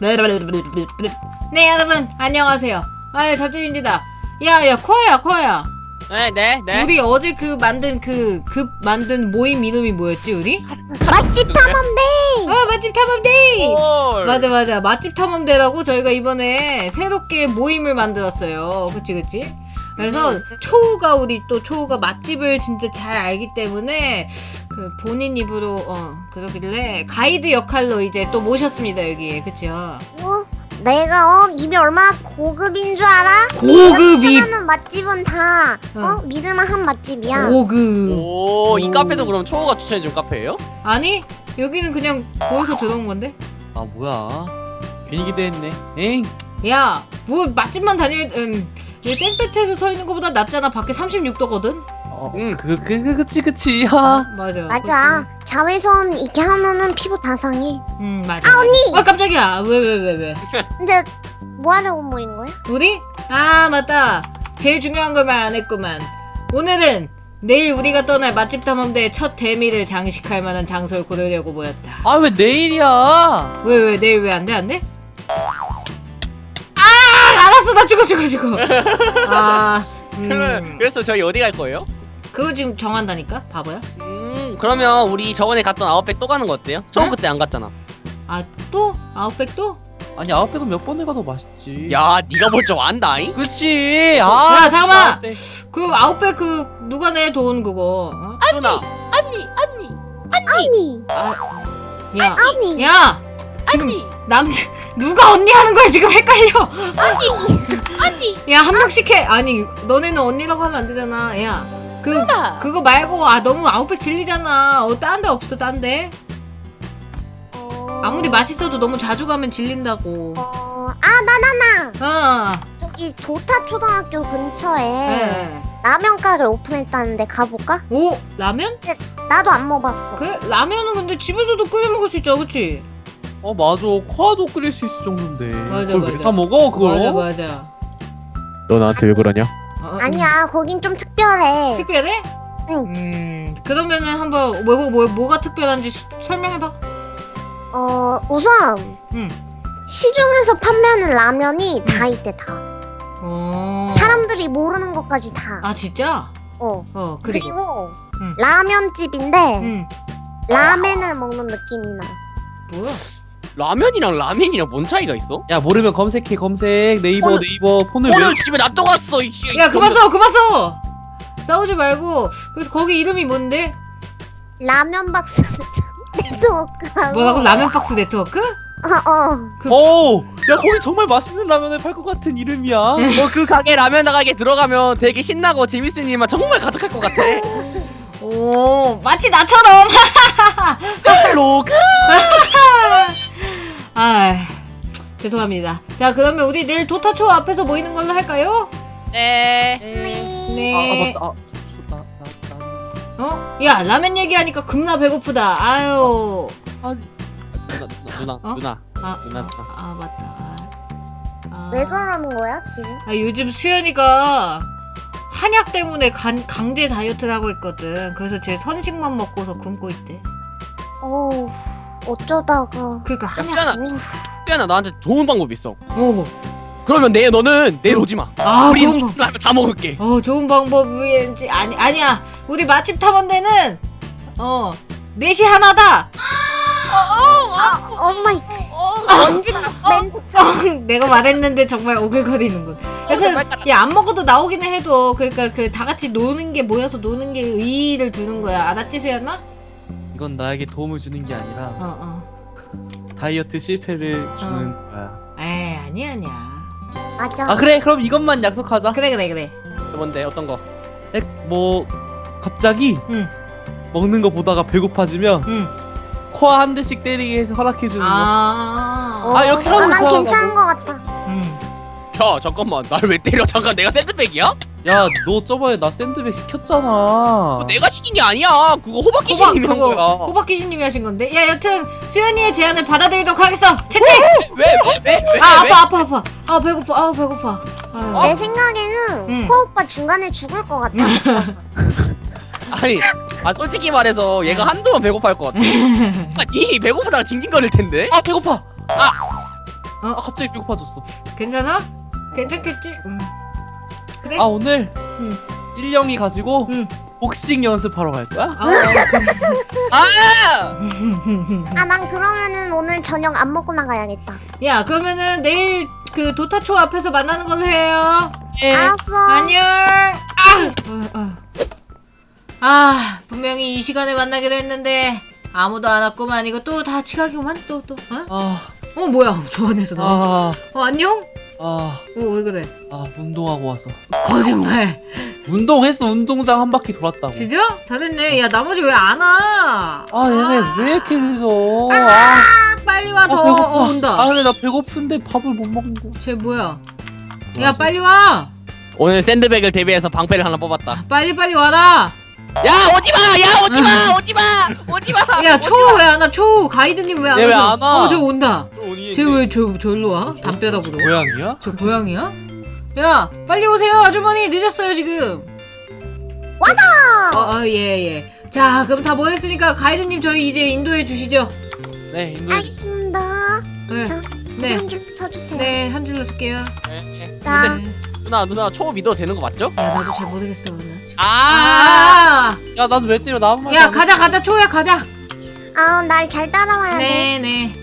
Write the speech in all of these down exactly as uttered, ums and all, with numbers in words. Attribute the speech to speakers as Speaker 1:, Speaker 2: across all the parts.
Speaker 1: 네 여러분 안녕하세요. 아 잡지인지다. 야야 코아야 코아야.
Speaker 2: 네네 네.
Speaker 1: 우리 어제 그 만든 그 급 만든 모임 이름이 뭐였지 우리?
Speaker 3: 맛집 탐험대.
Speaker 1: 어 맛집 탐험데이.
Speaker 2: 헐.
Speaker 1: 맞아 맞아 맛집 탐험대라고 저희가 이번에 새롭게 모임을 만들었어요. 그치 그치? 그래서 초우가 우리 또 초우가 맛집을 진짜 잘 알기 때문에 그 본인 입으로 어 그러길래 가이드 역할로 이제 또 모셨습니다 여기에. 그쵸?
Speaker 3: 어? 내가 어 입이 얼마나 고급인 줄 알아?
Speaker 1: 고급이
Speaker 3: 찾아는 맛집은 다 어,
Speaker 1: 어.
Speaker 3: 믿을만한 맛집이야.
Speaker 1: 고급.
Speaker 2: 오, 이
Speaker 1: 오.
Speaker 2: 카페도 그럼 초호가 추천해준 카페예요?
Speaker 1: 아니 여기는 그냥 보여서 들어온 건데.
Speaker 4: 아 뭐야 괜히 기대했네. 에잉
Speaker 1: 야 뭐 맛집만 다녀. 음. 이 땡볕에서 서 있는 것보다 낫잖아. 밖에 삼십육 도거든.
Speaker 4: 어,
Speaker 2: 응.
Speaker 4: 그, 그, 그, 그치 그치 하
Speaker 1: 맞아.
Speaker 3: 맞아. 자외선 이렇게 하면은 피부 다 상해.
Speaker 1: 음 맞아.
Speaker 3: 아, 언니!
Speaker 1: 아 깜짝이야. 왜 왜 왜 왜?
Speaker 3: 근데 뭐 하려고 모인 거야?
Speaker 1: 우리? 아 맞다. 제일 중요한 걸 말 안 했구만. 오늘은 내일 우리가 떠날 맛집 탐험대의 첫 대미를 장식할 만한 장소를 고르려고 모였다.
Speaker 4: 아 왜 내일이야?
Speaker 1: 왜 왜 내일 왜 안 돼? 안 돼? 아 알았어 나 죽어 죽어 죽어. 아
Speaker 2: 그러면
Speaker 1: 음.
Speaker 2: 그래서 저희 어디 갈 거예요?
Speaker 1: 그거 지금 정한다니까 바보야?
Speaker 2: 음 그러면 우리 저번에 갔던 아웃백 또 가는 거 어때요? 처음
Speaker 1: 응?
Speaker 2: 그때 안 갔잖아.
Speaker 1: 아 또? 아웃백 또?
Speaker 4: 아니 아웃백은 몇 번을 가도 맛있지.
Speaker 2: 야 네가 뭘 좀 안다잉?
Speaker 4: 그치. 아
Speaker 1: 야, 잠깐만!
Speaker 4: 아웃백.
Speaker 1: 그 아웃백 그 누가 내 돈 그거 어?
Speaker 2: 누나.
Speaker 3: 언니, 언니, 언니,
Speaker 1: 아, 야,
Speaker 3: 언니,
Speaker 1: 야, 지금 남자 누가 언니 하는 거야 지금 헷갈려.
Speaker 3: 언니.
Speaker 1: 야 한 명씩 해. 아니 너네는 언니라고 하면 안 되잖아. 야, 그
Speaker 3: 누나.
Speaker 1: 그거 말고 아 너무 아웃백 질리잖아. 어 딴 데 없어 딴 데.
Speaker 3: 어...
Speaker 1: 아무리 맛있어도 너무 자주 가면 질린다고.
Speaker 3: 어, 아, 나, 나, 나.
Speaker 1: 어,
Speaker 3: 저기 도타 초등학교 근처에
Speaker 1: 네.
Speaker 3: 라면 가게 오픈했다는데 가볼까?
Speaker 1: 오 라면?
Speaker 3: 나도 안 먹어봤어.
Speaker 1: 그래 라면은 근데 집에서도 끓여 먹을 수 있죠, 그렇지?
Speaker 4: 어 맞아 코아도 끓일 수 있을 정도인데.
Speaker 1: 맞아,
Speaker 4: 그걸
Speaker 1: 맞아.
Speaker 4: 왜 사 먹어 그걸?
Speaker 1: 맞아 맞아.
Speaker 5: 너 나한테 왜 그러냐?
Speaker 1: 어,
Speaker 3: 아니야, 거긴 좀 특별해.
Speaker 1: 특별해?
Speaker 3: 응.
Speaker 1: 음 그러면은 한번 뭐, 뭐, 뭐가 특별한지 수- 설명해봐.
Speaker 3: 어, 우선
Speaker 1: 응.
Speaker 3: 시중에서 판매하는 라면이 다 있대 다.
Speaker 1: 어.
Speaker 3: 사람들이 모르는 것까지 다.
Speaker 1: 아 진짜?
Speaker 3: 어.
Speaker 1: 어 그리고.
Speaker 3: 그리고
Speaker 1: 응.
Speaker 3: 라면집인데
Speaker 1: 응.
Speaker 3: 라멘을 먹는 느낌이 나.
Speaker 1: 뭐야?
Speaker 2: 라면이랑 라면이랑 뭔 차이가 있어?
Speaker 4: 야 모르면 검색해 검색 네이버
Speaker 2: 오늘-
Speaker 4: 네이버 폰을 왜?
Speaker 2: 오늘 집에 놔둬갔어 이씨.
Speaker 1: 야 그만 써 그만 써. 싸우지 말고. 그래서 거기 이름이 뭔데?
Speaker 3: 라면 박스 네트워크라고.
Speaker 1: 뭐라고? 라면 박스 네트워크?
Speaker 3: 어, 어.
Speaker 4: 오, 야 거기 정말 맛있는 라면을 팔 것 같은 이름이야.
Speaker 2: 뭐그 가게 라면 가게 들어가면 되게 신나고 재밌는 일만 정말 가득할 것 같아.
Speaker 1: 오 마치 나처럼.
Speaker 4: 로그.
Speaker 1: 아 죄송합니다. 자 그러면 우리 내일 도타초 앞에서 모이는 걸로 할까요?
Speaker 2: 네.
Speaker 1: 네.
Speaker 4: 아, 아 맞다. 아, 저, 나, 나, 나.
Speaker 1: 어? 야 라면 얘기하니까 겁나 배고프다. 아유.
Speaker 4: 아니,
Speaker 2: 누나 누나
Speaker 1: 어?
Speaker 2: 누나.
Speaker 1: 아,
Speaker 2: 누나,
Speaker 1: 아,
Speaker 2: 누나.
Speaker 1: 아 맞다. 아,
Speaker 3: 왜 그러는 거야 지금?
Speaker 1: 아 요즘 수연이가 한약 때문에 간, 강제 다이어트를 하고 있거든. 그래서 제 선식만 먹고서 굶고 있대.
Speaker 3: 어우, 어쩌다가.
Speaker 1: 그러니까 한약.
Speaker 2: 수연아.
Speaker 3: 오,
Speaker 2: 수연아 나한테 좋은 방법 있어.
Speaker 1: 오.
Speaker 2: 그러면 내일 너는 내일 오지 마.
Speaker 1: 아
Speaker 2: 우리
Speaker 1: 좋은 방.
Speaker 2: 무슨 라면 다 먹을게.
Speaker 1: 어 좋은 방법인지 아니 아니야. 우리 맛집 탐험대는 어 넷이 하나다.
Speaker 3: 엄마이. 언제적 멘트.
Speaker 1: 내가 말했는데 정말 오글거리는군. 그래서 야안 먹어도 나오기는 해도 그러니까 그 다 같이 노는 게 모여서 노는 게 의의를 두는 거야. 알았지 수연아?
Speaker 4: 이건 나에게 도움을 주는 게 아니라
Speaker 1: 어 어.
Speaker 4: 다이어트 실패를 주는
Speaker 1: 어.
Speaker 4: 거야.
Speaker 1: 에이 아니야 아니야.
Speaker 3: 맞아.
Speaker 4: 아 그래 그럼 이것만 약속하자.
Speaker 1: 그래 그래 그래.
Speaker 2: 뭔데 어떤 거?
Speaker 4: 에, 뭐 갑자기
Speaker 1: 응.
Speaker 4: 먹는 거 보다가 배고파지면
Speaker 1: 응.
Speaker 4: 코아 한 대씩 때리게 해서 허락해 주는 거.
Speaker 1: 아.
Speaker 3: 어,
Speaker 4: 아, 이렇게 하는 거
Speaker 3: 난
Speaker 4: 좋아하나
Speaker 3: 괜찮은 거 같아.
Speaker 1: 응.
Speaker 2: 야 잠깐만 나를 왜 때려? 잠깐 내가 샌드백이야?
Speaker 4: 야 너 저번에 나 샌드백 시켰잖아.
Speaker 2: 뭐 내가 시킨 게 아니야. 그거 호박기
Speaker 1: 호박
Speaker 2: 신님이 한
Speaker 1: 그거
Speaker 2: 거야.
Speaker 1: 호박 귀신님이 하신 건데. 야 여튼 수연이의 제안을 받아들이도록 하겠어. 채택.
Speaker 2: 왜왜왜 왜?
Speaker 1: 아
Speaker 2: 왜?
Speaker 1: 아파 아파 아파. 아 배고파. 아 배고파. 아유.
Speaker 3: 내 생각에는
Speaker 1: 응.
Speaker 3: 코 오빠 중간에 죽을 것 같아.
Speaker 2: 아니 아 솔직히 말해서 얘가 한두 번 배고파할 것 같아. 아, 니 배고프다가 징징거릴 텐데.
Speaker 4: 아 배고파. 아 갑자기 배고파졌어.
Speaker 1: 괜찮아? 괜찮겠지? 응. 그래?
Speaker 4: 아 오늘
Speaker 1: 응.
Speaker 4: 일령이 가지고
Speaker 1: 응.
Speaker 4: 복싱 연습하러 갈 거야?
Speaker 1: 아,
Speaker 2: 아!
Speaker 3: 아, 난 그러면은 오늘 저녁 안 먹고 나가야겠다.
Speaker 1: 야, 그러면은 내일 그 도타초 앞에서 만나는 걸로 해요.
Speaker 4: 예.
Speaker 3: 알았어.
Speaker 1: 안녕. 아, 어, 어. 아, 분명히 이 시간에 만나기로 했는데 아무도 안 왔구만. 이거 또 다 지각이구만. 또 또. 어?
Speaker 4: 아,
Speaker 1: 어 뭐야? 저 안에서 나.
Speaker 4: 아,
Speaker 1: 어 안녕?
Speaker 4: 아,
Speaker 1: 어 왜 그래?
Speaker 4: 아, 운동하고 왔어.
Speaker 1: 거짓말.
Speaker 4: 운동했어. 운동장 한 바퀴 돌았다고.
Speaker 1: 진짜? 잘했네. 야 나머지 왜 안 와?
Speaker 4: 아, 얘네
Speaker 1: 아,
Speaker 4: 왜 이렇게 늦어? 아,
Speaker 1: 빨리 와
Speaker 4: 아,
Speaker 1: 더.
Speaker 4: 배고파.
Speaker 1: 어, 온다.
Speaker 4: 아, 근데 나 배고픈데 밥을 못 먹는 거.
Speaker 1: 쟤 뭐야? 야
Speaker 4: 뭐하지?
Speaker 1: 빨리 와.
Speaker 2: 오늘 샌드백을 대비해서 방패를 하나 뽑았다.
Speaker 1: 빨리 빨리 와라.
Speaker 2: 야 오지마! 야 오지마! 오지마! 오지마!
Speaker 1: 야 초우 왜 안 와? 초우 가이드님 왜 안 와?
Speaker 4: 얘왜안 와?
Speaker 1: 어저 온다. 쟤 왜 저 저기로 와? 담벼락으로.
Speaker 4: 고양이야?
Speaker 1: 저 고양이야? 야 빨리 오세요 아주머니 늦었어요 지금.
Speaker 3: 와다.
Speaker 1: 어, 어, 예, 예. 자, 그럼 다 모였으니까 가이드님 저희 이제 인도해 주시죠.
Speaker 4: 네, 인도.
Speaker 3: 알겠습니다.
Speaker 1: 네.
Speaker 3: 자,
Speaker 1: 네.
Speaker 3: 한 줄 서주세요.
Speaker 1: 네, 한 줄로 쓸게요.
Speaker 3: 자,
Speaker 1: 네.
Speaker 2: 누나 누나 초보 믿어도 되는 거 맞죠?
Speaker 1: 야, 나도 잘 모르겠어, 오늘.
Speaker 2: 아!
Speaker 1: 아!
Speaker 4: 야, 난 왜 때려? 나 아무 말도
Speaker 1: 야,
Speaker 4: 안
Speaker 1: 가자,
Speaker 4: 했어.
Speaker 1: 가자, 초야, 가자.
Speaker 3: 아, 날 잘 따라와야 돼.
Speaker 1: 네, 네.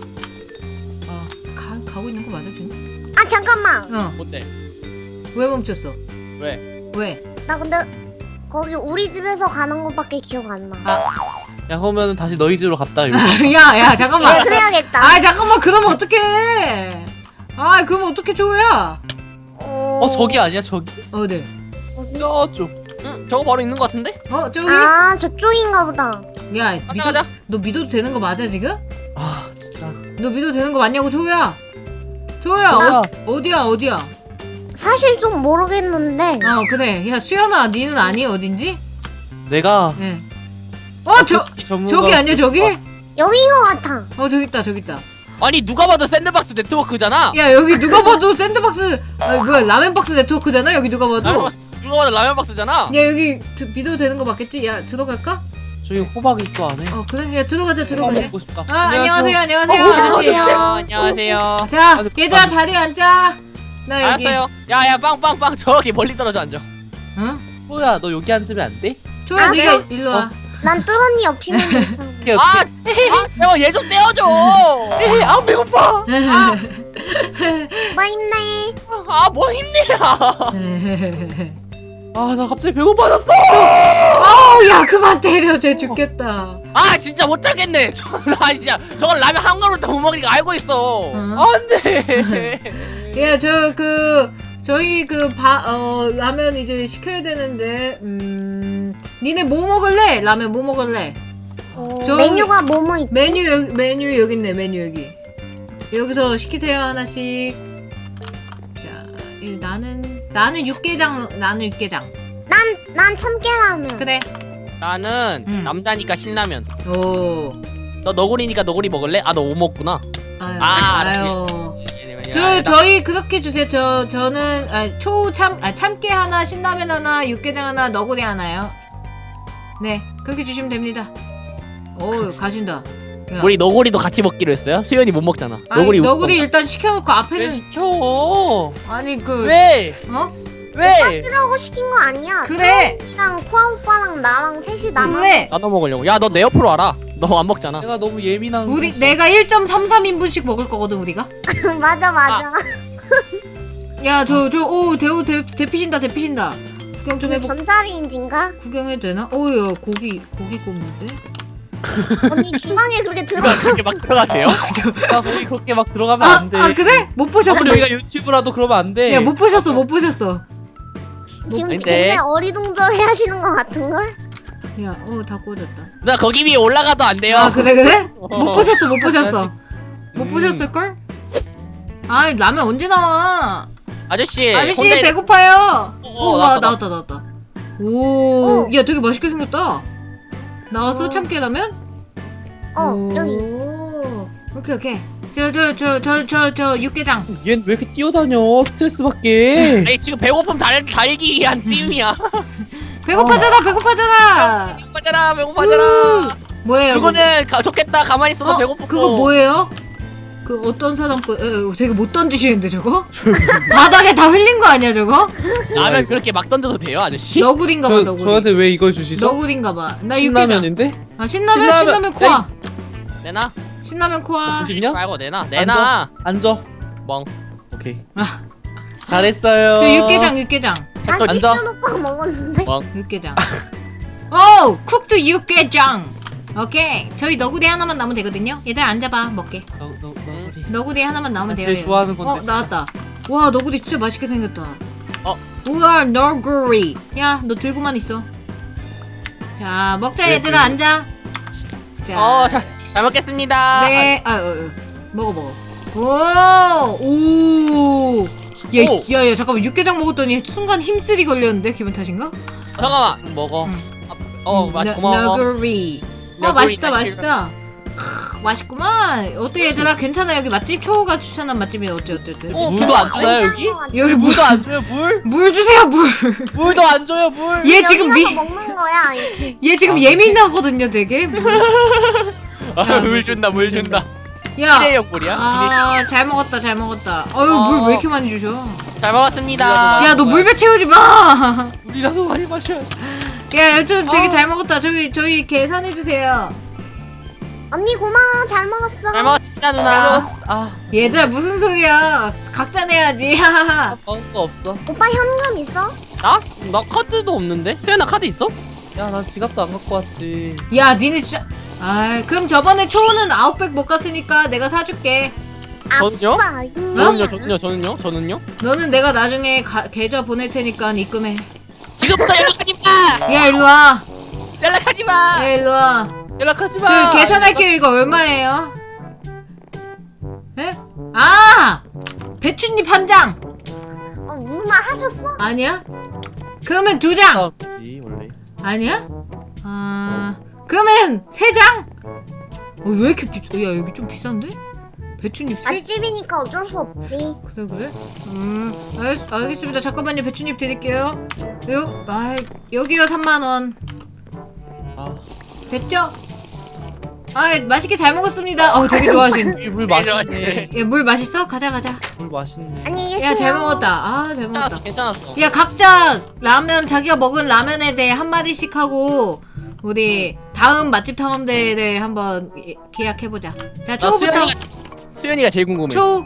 Speaker 4: 아,
Speaker 1: 가, 가고 있는 거 맞아, 지금?
Speaker 3: 아, 잠깐만.
Speaker 1: 어.
Speaker 2: 뭔데?
Speaker 1: 왜 멈췄어?
Speaker 2: 왜?
Speaker 1: 왜?
Speaker 3: 나 근데 거기 우리 집에서 가는 것밖에 기억 안 나.
Speaker 4: 야, 그러면 다시 너희 집으로 갔다 이렇게.
Speaker 1: 야, 야,
Speaker 3: 네,
Speaker 1: 잠깐만.
Speaker 3: 그래야겠다.
Speaker 1: 아, 잠깐만, 그러면 어떡해. 아, 그러면 어떡해, 초야.
Speaker 3: 어,
Speaker 4: 어, 저기 아니야, 저기?
Speaker 1: 어디?
Speaker 3: 어디?
Speaker 4: 저쪽.
Speaker 2: 응 저거 바로 있는 거 같은데?
Speaker 1: 어, 저기?
Speaker 3: 아, 저쪽인가 보다.
Speaker 1: 야,
Speaker 2: 가자
Speaker 1: 믿어,
Speaker 2: 가자.
Speaker 1: 너 믿어도 되는 거 맞아, 지금?
Speaker 4: 아, 진짜.
Speaker 1: 너 믿어도 되는 거 맞냐고, 초야? 초야,
Speaker 4: 뭐야?
Speaker 1: 어, 어디야, 어디야?
Speaker 3: 사실 좀 모르겠는데.
Speaker 1: 어 그래 야 수연아 니는 아니 어딘지?
Speaker 4: 내가
Speaker 1: 예. 어 저
Speaker 4: 솔직히 전문가
Speaker 1: 저기 아니야 저기?
Speaker 4: 어,
Speaker 3: 여긴 것 같아.
Speaker 1: 어 저기 있다 저기 있다.
Speaker 2: 아니 누가 봐도 샌드박스 네트워크잖아.
Speaker 1: 야 여기 누가 봐도 샌드박스 아니 뭐야 라멘박스 네트워크잖아 여기 누가 봐도.
Speaker 2: 라면, 누가 봐도 라면 박스잖아.
Speaker 1: 야 여기 드, 믿어도 되는 거 맞겠지? 야 들어갈까?
Speaker 4: 저기 호박 있어 안에.
Speaker 1: 어 그래 야 들어가자
Speaker 4: 호박
Speaker 1: 들어가자.
Speaker 4: 먹고 싶다.
Speaker 1: 아 안녕하세요 안녕하세요.
Speaker 4: 어,
Speaker 2: 안녕하세요.
Speaker 1: 안녕하세요.
Speaker 2: 안녕하세요.
Speaker 1: 자
Speaker 4: 아니,
Speaker 1: 얘들아
Speaker 4: 아니.
Speaker 1: 자리에 앉자. 나 여기.
Speaker 2: 알았어요. 야야 빵빵빵 저기 멀리 떨어져 앉아.
Speaker 1: 응?
Speaker 4: 소야, 너 여기 앉으면 안 돼?
Speaker 1: 초야
Speaker 3: 알았어.
Speaker 1: 네가 일로 와.
Speaker 3: 난 뚜런니 옆이면 괜찮아.
Speaker 4: 오케이,
Speaker 2: 아, 아, 제발 얘 좀 떼어줘.
Speaker 4: 오케이. 아, 배고파.
Speaker 3: 뭐 힘내.
Speaker 2: 아, 뭐 힘내야.
Speaker 4: 아, 나 갑자기 배고파졌어.
Speaker 1: 아우 야 그만 때려 쟤 죽겠다.
Speaker 2: 아, 진짜 못 참겠네. 저건 아 진짜 저건 라면 한 그릇 다 못 먹으니까 알고 있어.
Speaker 1: 응?
Speaker 4: 안 돼.
Speaker 1: 예, 저 그 저희 그 바 어 라면 이제 시켜야 되는데 음 니네 뭐 먹을래? 라면 뭐 먹을래?
Speaker 3: 어,
Speaker 1: 저기-
Speaker 3: 메뉴가 뭐뭐 있지?
Speaker 1: 메뉴 여기 메뉴 여기 있네 메뉴 여기 여기서 시키세요 하나씩. 자, 이 나는 나는 육개장 나는 육개장
Speaker 3: 난, 난 참깨라면.
Speaker 1: 그래.
Speaker 2: 나는
Speaker 1: 응.
Speaker 2: 남자니까 신라면.
Speaker 1: 오.
Speaker 2: 너 너구리니까 너구리 먹을래? 아, 너 못 먹구나.
Speaker 1: 아유.
Speaker 2: 아,
Speaker 1: 아유.
Speaker 2: 야,
Speaker 1: 저
Speaker 2: 나-
Speaker 1: 저희 그렇게 주세요. 저 저는 아, 초참 아, 참깨 하나, 신라면 하나, 육개장 하나, 너구리 하나요. 네, 그렇게 주시면 됩니다. 오, 가신다. 야.
Speaker 2: 우리 너구리도 같이 먹기로 했어요. 수연이 못 먹잖아.
Speaker 1: 아니,
Speaker 2: 너구리
Speaker 1: 너구리
Speaker 2: 먹-
Speaker 1: 일단 시켜놓고
Speaker 4: 왜
Speaker 1: 앞에는
Speaker 4: 시켜?
Speaker 1: 아니 그
Speaker 4: 왜?
Speaker 1: 어?
Speaker 4: 왜?
Speaker 3: 그러고 시킨 거 아니야.
Speaker 1: 그래.
Speaker 3: 뚜런니랑 코아 오빠랑 나랑 셋이 남아.
Speaker 1: 그래.
Speaker 2: 나눠 먹으려고. 야, 너 내 옆으로 와라. 너 안 먹잖아.
Speaker 4: 내가 너무 예민한
Speaker 1: 우리
Speaker 4: 거지.
Speaker 1: 내가 일 점 삼삼 인분씩 먹을 거거든 우리가.
Speaker 3: 맞아, 맞아.
Speaker 1: 야, 저 저 오 대우 대 대피신다 대피신다. 구경 좀
Speaker 3: 그
Speaker 1: 해보.
Speaker 3: 전자레인지인가?
Speaker 1: 구경해도 되나? 오야 고기 고기 굽는데.
Speaker 3: 언니 주방에 그렇게 들어.
Speaker 2: 그렇게 막 들어가세요?
Speaker 4: 나 거기 그렇게 막 들어가면
Speaker 1: 아,
Speaker 4: 안 돼.
Speaker 1: 아 그래? 못 보셨어.
Speaker 4: 아무리 여기가 유튜브라도 그러면 안 돼.
Speaker 1: 야, 못 보셨어 못 보셨어.
Speaker 3: 지금
Speaker 2: 아닌데.
Speaker 3: 굉장히 어리둥절해 하시는 것 같은걸?
Speaker 1: 야, 어 다 꺼졌다.
Speaker 2: 나 거기 위에 올라가도 안 돼요.
Speaker 1: 아 그래 그래? 못
Speaker 4: 어.
Speaker 1: 보셨어 못 보셨어. 못
Speaker 4: 음.
Speaker 1: 보셨을 걸? 아 라면 언제 나와?
Speaker 2: 아저씨.
Speaker 1: 아저씨
Speaker 2: 혼자 있-
Speaker 1: 배고파요.
Speaker 2: 어,
Speaker 1: 오 와
Speaker 2: 나왔다,
Speaker 1: 나왔다 나왔다. 오,
Speaker 3: 어.
Speaker 1: 야 되게 맛있게 생겼다. 나왔어
Speaker 3: 어.
Speaker 1: 참깨라면?
Speaker 3: 어,
Speaker 1: 오.
Speaker 3: 여기.
Speaker 1: 오케이 오케이. 저 저 저 저 저 저 육개장.
Speaker 4: 얜 왜 이렇게 뛰어다녀? 스트레스 받게.
Speaker 2: 아니 지금 배고픔 달, 달기 위한 띠임이야.
Speaker 1: 배고파잖아 배고파잖아.
Speaker 2: 배고파잖아 배고파잖아.
Speaker 1: 뭐예요?
Speaker 2: 그거는 가, 좋겠다. 가만히 있어도
Speaker 1: 어,
Speaker 2: 배고프고.
Speaker 1: 그거 뭐예요? 그 어떤 사람거 에, 되게 못 던지시는데 저거? 바닥에 다 흘린 거 아니야 저거?
Speaker 2: 라면 그렇게 막 던져도 돼요 아저씨?
Speaker 1: 너구리인가봐
Speaker 4: 저,
Speaker 1: 너구리.
Speaker 4: 저한테 왜 이걸 주시죠?
Speaker 1: 너구리인가봐. 나 육개장.
Speaker 4: 신라면인데?
Speaker 1: 아 신라면
Speaker 4: 신라면.
Speaker 1: 신라면 코아.
Speaker 2: 내놔.
Speaker 1: 신라면 코아.
Speaker 4: 보시냐?
Speaker 2: 말고 내놔. 내놔.
Speaker 4: 앉아.
Speaker 2: 멍.
Speaker 4: 오케이.
Speaker 1: 아,
Speaker 4: 잘했어요.
Speaker 1: 저 육개장 육개장
Speaker 3: 다시
Speaker 4: 앉아.
Speaker 3: 시연 오빠가 먹었는데.
Speaker 2: 멍.
Speaker 1: 육개장. 오 쿡드 육개장. 오케이 저희 너구리 하나만 나오면 되거든요. 얘들 앉아봐 먹게.
Speaker 4: 너, 너, 너구리.
Speaker 1: 너구리 하나만 나오면
Speaker 4: 나
Speaker 1: 돼요.
Speaker 4: 제일
Speaker 1: 얘.
Speaker 4: 좋아하는 건데,
Speaker 1: 어
Speaker 4: 진짜.
Speaker 1: 나왔다. 와 너구리 진짜 맛있게 생겼다.
Speaker 2: 어.
Speaker 1: 우와 너구리. 야 너 들고만 있어. 자 먹자
Speaker 4: 네,
Speaker 1: 얘들아
Speaker 4: 네.
Speaker 1: 앉아. 자.
Speaker 2: 어, 잘, 잘 먹겠습니다.
Speaker 1: 네. 아, 어, 어. 먹어 먹어. 오. 오. 야,
Speaker 2: 오.
Speaker 1: 야, 야, 잠깐만 육개장 먹었더니 순간 힘쓰리 걸렸는데 기분 탓인가?
Speaker 2: 어, 잠깐만.
Speaker 4: 먹어.
Speaker 2: 어,
Speaker 1: 음,
Speaker 2: 맛있
Speaker 1: 너-
Speaker 2: 고마워.
Speaker 1: 너구리. 어
Speaker 2: 너구리
Speaker 1: 맛있다
Speaker 2: 맛있-
Speaker 1: 맛있다. 크, 맛있구만. 어때 얘들아 괜찮아 여기 맛집 초우가 추천한 맛집이 어째 어쨌든.
Speaker 2: 어,
Speaker 4: 물도 안 주나요, 여기?
Speaker 1: 여기 물,
Speaker 4: 물도 안 줘요, 물?
Speaker 1: 물 주세요 물.
Speaker 4: 물도 안 줘요, 물!
Speaker 1: 얘 지금 미,
Speaker 3: 먹는 거야 이렇게.
Speaker 1: 얘 지금
Speaker 4: 아,
Speaker 1: 예민하거든요 되게. 물.
Speaker 2: 아, 물 준다, 물 준다.
Speaker 1: 야.
Speaker 2: 일회용 물이야?
Speaker 1: 아, 잘 먹었다, 잘 먹었다. 어유,
Speaker 2: 어.
Speaker 1: 물 왜 이렇게 많이 주셔?
Speaker 2: 잘 먹었습니다.
Speaker 1: 야, 너 물배 채우지 마.
Speaker 4: 물이라도 많이 마셔.
Speaker 1: 야, 여튼 되게
Speaker 2: 어.
Speaker 1: 잘 먹었다. 저희 저희 계산해 주세요.
Speaker 3: 언니 고마워 잘 먹었어.
Speaker 2: 잘 먹었습니다, 누나.
Speaker 4: 아,
Speaker 1: 얘들아 무슨 소리야? 각자 내야지. 하하하.
Speaker 4: 나 먹은 거 없어.
Speaker 3: 오빠 현금 있어?
Speaker 2: 나? 나 카드도 없는데? 수연아 카드 있어?
Speaker 4: 야, 난 지갑도 안 갖고 왔지.
Speaker 1: 야, 니네 진짜. 아, 그럼 저번에 초우는 아웃백 못 갔으니까 내가 사줄게.
Speaker 2: 저는요?
Speaker 3: 아싸 윤.
Speaker 2: 저는요, 저는요, 저는요, 저는요?
Speaker 1: 너는 내가 나중에 가, 계좌 보낼 테니까 입금해.
Speaker 2: 지금부터 연락하지 마!
Speaker 1: 야, 일로 와.
Speaker 2: 연락하지 마!
Speaker 1: 야, 일로 와.
Speaker 4: 연락하지 마!
Speaker 1: 저 계산할게요. 이거 얼마예요? 에? 아! 배춧잎 한 장.
Speaker 3: 어 무슨 말 하셨어?
Speaker 1: 아니야? 그러면 두 장.
Speaker 4: 싸움이지, 원래.
Speaker 1: 아니야? 아 그러면 세 장? 어, 왜 이렇게 비? 야 여기 좀 비싼데? 배추잎 세?
Speaker 3: 맛집이니까 어쩔 수 없지.
Speaker 1: 그래 그래? 음 알, 알겠습니다. 잠깐만요. 배추잎 드릴게요. 요, 아 여기요 삼만 원.
Speaker 4: 아,
Speaker 1: 됐죠? 아 맛있게 잘 먹었습니다. 어 되게 좋아하신.
Speaker 4: 이 물 맛있네.
Speaker 1: 야 물 맛있어? 가자 가자.
Speaker 4: 물 맛있네.
Speaker 3: 안녕히 계세요.
Speaker 1: 야 잘 먹었다. 아 잘 먹었다.
Speaker 2: 괜찮았어, 괜찮았어.
Speaker 1: 야 각자 라면 자기가 먹은 라면에 대해 한 마디씩 하고 우리 다음 맛집 탐험대회를 한번 예- 계약해보자. 자
Speaker 2: 나
Speaker 1: 초부터
Speaker 2: 수연이가, 수연이가 제일 궁금해.
Speaker 1: 초.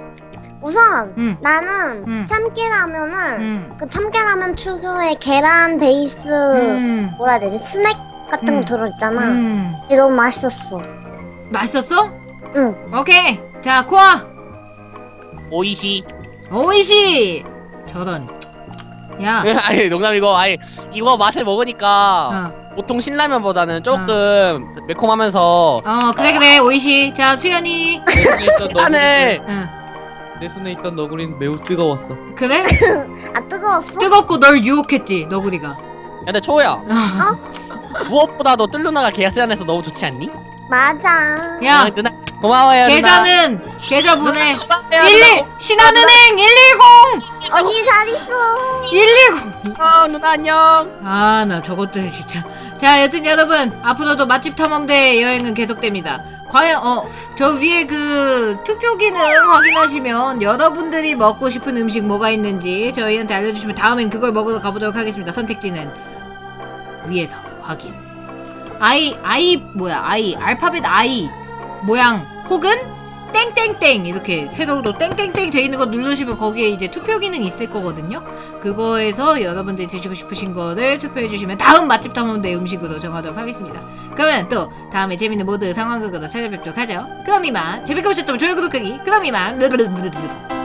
Speaker 3: 우선
Speaker 1: 응.
Speaker 3: 나는
Speaker 1: 응.
Speaker 3: 참깨라면을
Speaker 1: 음.
Speaker 3: 그 참깨라면 특유의 계란 베이스
Speaker 1: 음.
Speaker 3: 뭐라 해야 되지? 스낵 같은
Speaker 1: 음.
Speaker 3: 거 들어있잖아.
Speaker 1: 음.
Speaker 3: 이게 너무 맛있었어.
Speaker 1: 맛있었어?
Speaker 3: 응.
Speaker 1: 오케이. 자 코아.
Speaker 2: 오이시.
Speaker 1: 오이시. 저런. 야.
Speaker 2: 아니, 농담이고, 아니, 이거 맛을 먹으니까
Speaker 1: 어.
Speaker 2: 보통 신라면보다는 조금 매콤하면서
Speaker 1: 어 그래 그래 오이시. 자 수연이.
Speaker 4: 내 손에 있던 너구리는,
Speaker 2: 안에
Speaker 1: 응.
Speaker 4: 내 손에 있던 너구리는 매우 뜨거웠어.
Speaker 1: 그래?
Speaker 3: 아 뜨거웠어?
Speaker 1: 뜨겁고 널 유혹했지 너구리가.
Speaker 2: 야, 근데 초야,
Speaker 1: 어?
Speaker 2: 무엇보다도 뜰 누나가 계산해서 너무 좋지 않니?
Speaker 3: 맞아.
Speaker 1: 야
Speaker 2: 아, 누나 고마워요.
Speaker 1: 계좌는 계좌 보내.
Speaker 2: 누나 고마워요.
Speaker 1: 일일 신한은행 일일공
Speaker 3: 언니 잘 있어.
Speaker 1: 일일공.
Speaker 2: 어, 누나 안녕.
Speaker 1: 아 나 저것들 진짜. 자 여튼 여러분 앞으로도 맛집 탐험대 여행은 계속됩니다. 과연 어 저 위에 그 투표 기능 확인하시면 여러분들이 먹고 싶은 음식 뭐가 있는지 저희한테 알려주시면 다음엔 그걸 먹으러 가보도록 하겠습니다. 선택지는 위에서 확인. 아이 아이 뭐야 아이 알파벳 아이 모양 혹은 땡땡땡 이렇게 세로로 땡땡땡 돼 있는 거 누르시면 거기에 이제 투표 기능 있을 거거든요. 그거에서 여러분들이 드시고 싶으신 거를 투표해 주시면 다음 맛집 탐험대 음식으로 정하도록 하겠습니다. 그러면 또 다음에 재밌는 모드 상황극으로 찾아뵙도록 하죠. 그럼 이만 재밌게 보셨다면 좋아요 구독하기 그럼 이만